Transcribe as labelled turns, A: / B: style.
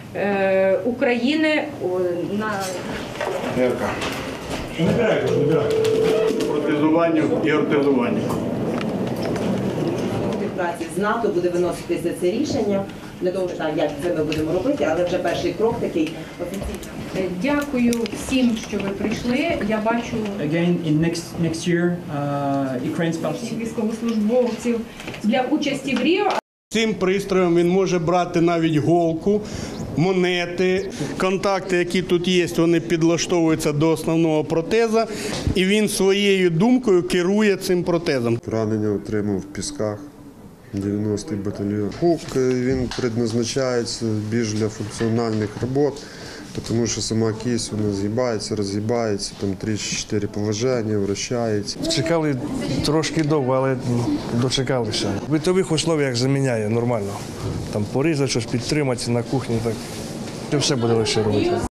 A: України на
B: протезуванню і ортезуванню.
C: Співпраці з НАТО буде виноситися це рішення для того, як це ми будемо робити, але вже перший крок такий офіційний.
A: Дякую всім, що ви прийшли. Я бачу
D: Again, in next year, Ukraine spouse.
A: військовослужбовців для участі в Ріо.
B: Цим пристроєм він може брати навіть голку, монети, контакти, які тут є, вони підлаштовуються до основного протеза, і він своєю думкою керує цим протезом.
E: Поранення отримав в Пісках, 90-й батальйон. Хук, він предназначається більш для функціональних робот, тому що сама кість вона згибається, розгибається, там 3-4 положення, вращається.
F: Чекали трошки довго, але дочекалися. В битових условиях заміняє нормально. Там порізати, щось підтримати на кухні. Так. Все буде легше робити.